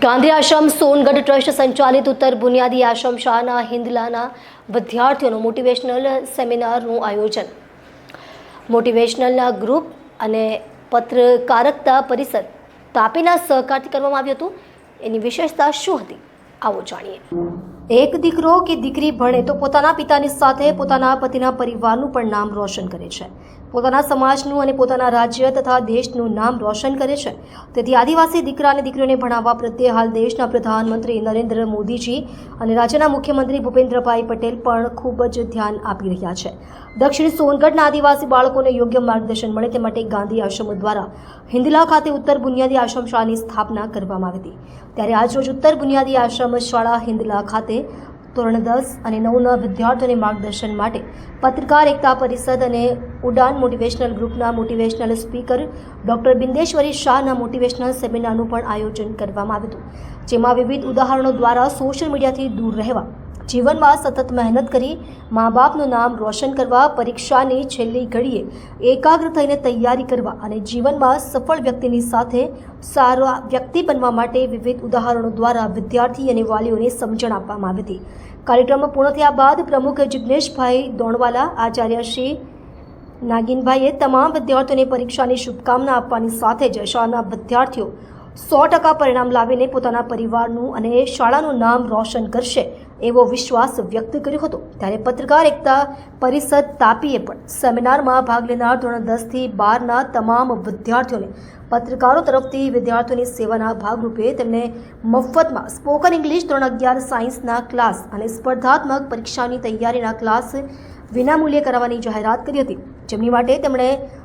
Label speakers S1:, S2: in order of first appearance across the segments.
S1: ગાંધી આશ્રમ Songadh trust સંચાલિત ઉત્તર બુનિયાદી આશ્રમ શાળાના હિંદલાના વિદ્યાર્થીઓનું મોટિવેશનલ સેમિનારનું આયોજન. મોટિવેશનલના ગ્રુપ અને પત્રકારકતા પરિષદ તાપીના સહકારથી કરવામાં આવ્યું હતું. એની વિશેષતા શું હતી, આવો જાણીએ. એક દીકરો કે દીકરી ભણે તો પોતાના પિતાની સાથે પોતાના પતિના પરિવારનું પણ નામ રોશન કરે છે, પોતાના સમાજનું અને પોતાના રાજ્ય તથા દેશનું નામ રોશન કરે છે. તેથી આદિવાસી દીકરા અને દીકરીઓને ભણાવવા પ્રત્યે હાલ દેશના પ્રધાનમંત્રી નરેન્દ્ર મોદીજી અને રાજ્યના મુખ્યમંત્રી ભૂપેન્દ્રભાઈ પટેલ પણ ખૂબ જ ધ્યાન આપી રહ્યા છે. દક્ષિણ સોનગઢના આદિવાસી બાળકોને યોગ્ય માર્ગદર્શન મળે તે માટે ગાંધી આશ્રમ દ્વારા હિંદલા ખાતે ઉત્તર બુનિયાદી આશ્રમ શાળાની સ્થાપના કરવામાં આવી હતી. ત્યારે આજરોજ ઉત્તર બુનિયાદી આશ્રમ શાળા હિંદલા ખાતે ધોરણ 10 અને 9ના વિદ્યાર્થીઓને માર્ગદર્શન માટે પત્રકાર એકતા પરિષદ અને ઉડાન મોટિવેશનલ ગ્રુપના મોટિવેશનલ સ્પીકર ડૉક્ટર બિંદેશ્વરી શાહના મોટિવેશનલ સેમિનારનું પણ આયોજન કરવામાં આવ્યું હતું. જેમાં વિવિધ ઉદાહરણો દ્વારા સોશિયલ મીડિયાથી દૂર રહેવા, જીવનમાં સતત મહેનત કરી મા બાપનું નામ રોશન કરવા, પરીક્ષાની છેલ્લી ઘડીએ એકાગ્ર થઈને તૈયારી કરવા અને જીવનમાં સફળ વ્યક્તિની સાથે સારા વ્યક્તિ બનવા માટે વિવિધ ઉદાહરણો દ્વારા વિદ્યાર્થી અને વાલીઓને સમજણ આપવામાં આવી હતી. કાર્યક્રમ પૂર્ણ થયા બાદ પ્રમુખ જિગ્નેશભાઈ દોણવાલા, આચાર્ય શ્રી નાગિનભાઈએ તમામ વિદ્યાર્થીઓને પરીક્ષાની શુભકામના આપવાની સાથે જ શાળાના વિદ્યાર્થીઓ 100% પરિણામ લાવીને પોતાના પરિવારનું અને શાળાનું નામ રોશન કરશે એવો વિશ્વાસ વ્યક્ત કર્યો હતો. ત્યારે પત્રકાર એકતા પરિષદ તાપીએ પણ સેમિનારમાં ભાગ લેનાર ધોરણ 10થી 12ના તમામ વિદ્યાર્થીઓને પત્રકારો તરફથી વિદ્યાર્થીઓની સેવાના ભાગરૂપે તેમને મફતમાં સ્પોકન ઇંગ્લિશ, ધોરણ 11 સાયન્સના ક્લાસ અને સ્પર્ધાત્મક પરીક્ષાની તૈયારીના ક્લાસ વિનામૂલ્યે કરાવવાની જાહેરાત કરી હતી. જેમની માટે તેમણે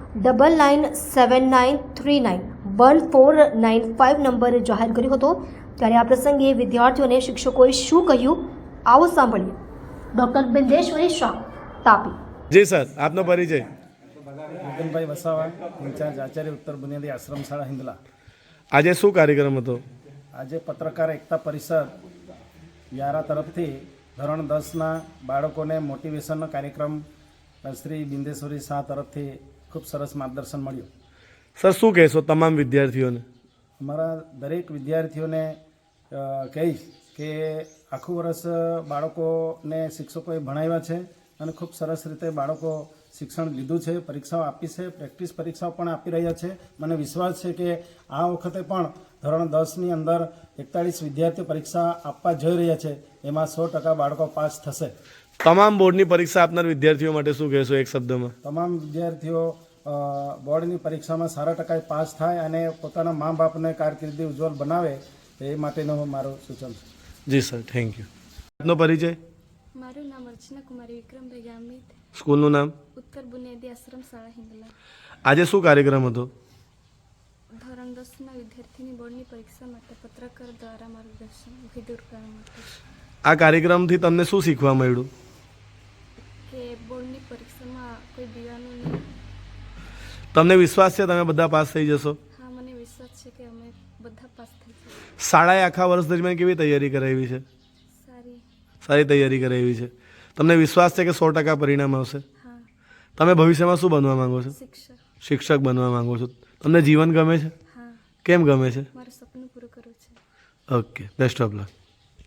S1: 9979391495 નંબર જાહેર કર્યો હતો. ત્યારે આ પ્રસંગે વિદ્યાર્થીઓને શિક્ષકોએ શું કહ્યું, આવો સાંભળીએ. ડૉક્ટર બિંદેશ્વરી શાહ, તાપી.
S2: જી સર, આપનો પરિચય.
S3: ભૂપેનભાઈ વસાવા, ઇન્ચાર્જ આચાર્ય ઉત્તર બુનિયાદી આશ્રમ શાળા હિંદલા.
S2: આજે શું કાર્યક્રમ હતો?
S3: આજે પત્રકાર એકતા પરિષદ વ્યારા તરફથી ધોરણ 10ના બાળકોને મોટિવેશનનો કાર્યક્રમ શ્રી બિંદેશ્વરી શાહ તરફથી ખૂબ સરસ માર્ગદર્શન મળ્યું.
S2: સર, શું કહેશો તમામ વિદ્યાર્થીઓને?
S3: અમારા દરેક વિદ્યાર્થીઓને કહીશ કે આખું વર્ષ બાળકોને શિક્ષકોએ ભણાવ્યા છે અને ખૂબ સરસ રીતે બાળકો શિક્ષણ લીધું છે, પરીક્ષાઓ આપી છે, પ્રેક્ટિસ પરીક્ષાઓ પણ આપી રહ્યા છે. મને વિશ્વાસ છે કે આ વખતે પણ ધોરણ 10ની અંદર 41 વિદ્યાર્થીઓ પરીક્ષા આપવા જઈ રહ્યા છે, એમાં 100% બાળકો પાસ થશે.
S2: તમામ બોર્ડની પરીક્ષા આપનાર વિદ્યાર્થીઓ માટે શું કહેશો એક શબ્દમાં?
S3: તમામ વિદ્યાર્થીઓ બોર્ડની પરીક્ષામાં સારા ટકાએ પાસ થાય અને પોતાના મા બાપને કારકિર્દી ઉજ્જવળ બનાવે એ માટેનું મારું સૂચન છે.
S2: જી સર, થેન્ક યુ. આપનો પરિચય?
S4: મારું નામ અર્ચના કુમારી વિક્રમભાઈ ગામિત,
S2: સ્કૂલનું નામ?
S4: ઉત્તર બુનિયાદી આશ્રમ શાળા હિંદલા.
S2: આજે શું કાર્યક્રમ હતો?
S4: ધોરણ 10ના વિદ્યાર્થીની બોર્ડની પરીક્ષા માટે પત્રકાર દ્વારા માર્ગદર્શન વિધિ કરવા માટે.
S2: આ કાર્યક્રમથી તમને શું શીખવા મળ્યું?
S4: કે બોર્ડની પરીક્ષામાં કોઈ દીવાનું નહીં.
S2: તમને વિશ્વાસ છે તમે બધા પાસ થઈ જશો?
S4: હા, મને વિશ્વાસ છે કે અમે બધા પાસ થઈ જઈશું.
S2: શાળાએ આખા વર્ષ દરમિયાન કેવી તૈયારી કરાવી છે? સારી તૈયારી કરાવી છે. તમને વિશ્વાસ છે કે 100% પરિણામ આવશે?
S4: હા.
S2: તમે ભવિષ્યમાં શું બનવા માંગો છો? શિક્ષક બનવા માંગો છો. તમને જીવન ગમે છે?
S4: હા.
S2: કેમ ગમે છે?
S4: મારું સપનું પૂરું કરવું છે.
S2: Okay, best of luck.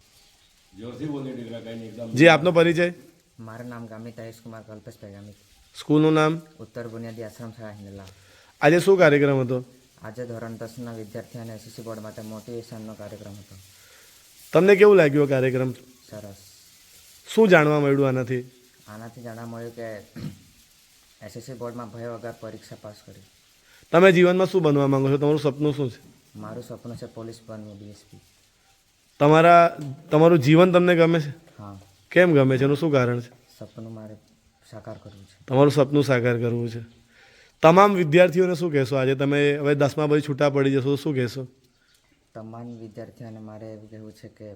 S2: જી, આપનો પરિચય?
S5: મારું નામ ગામિત આયુષ કુમાર કલ્પેશભાઈ ગામિત,
S2: સ્કૂલનું નામ?
S5: ઉત્તર બુનિયાદી આશ્રમ શાળા હિંદલા.
S2: આજે શું કાર્યક્રમ હતો?
S5: આજે ધોરણ 10ના વિદ્યાર્થી અને એસએસસી બોર્ડ માટે મોટિવેશનનો કાર્યક્રમ હતો.
S2: તમને કેવું લાગ્યું આ કાર્યક્રમ?
S5: સરસ.
S2: શું જાણવા મળ્યું આનાથી?
S5: આનાથી જાણવા મળ્યું કે એસએસસી બોર્ડમાં ભય વગર પરીક્ષા પાસ કરી.
S2: તમે જીવનમાં શું બનવા માંગો છો? તમારું સપનું શું છે?
S5: મારું સપનું છે પોલીસ બનવું, ડીએસપી.
S2: તમારું જીવન તમને ગમે છે?
S5: હા.
S2: કેમ ગમે છે? એનું શું કારણ છે?
S5: સપનું મારે સાકાર કરવું છે.
S2: તમારું સપનું સાકાર કરવું છે. તમામ વિદ્યાર્થીઓને શું કહેશો? આજે તમે હવે 10મા પછી છૂટા પડી જશો તો શું કહેશો?
S5: તમામ વિદ્યાર્થીઓને મારે એવું કહેવું છે કે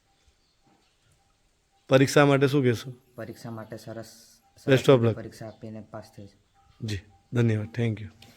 S2: પરીક્ષા માટે શું કહેશો?
S5: પરીક્ષા માટે સરસ
S2: બેસ્ટ ઓફ લક.
S5: પરીક્ષા આપીને પાસ થઈ.
S2: જી, ધન્યવાદ. Thank you.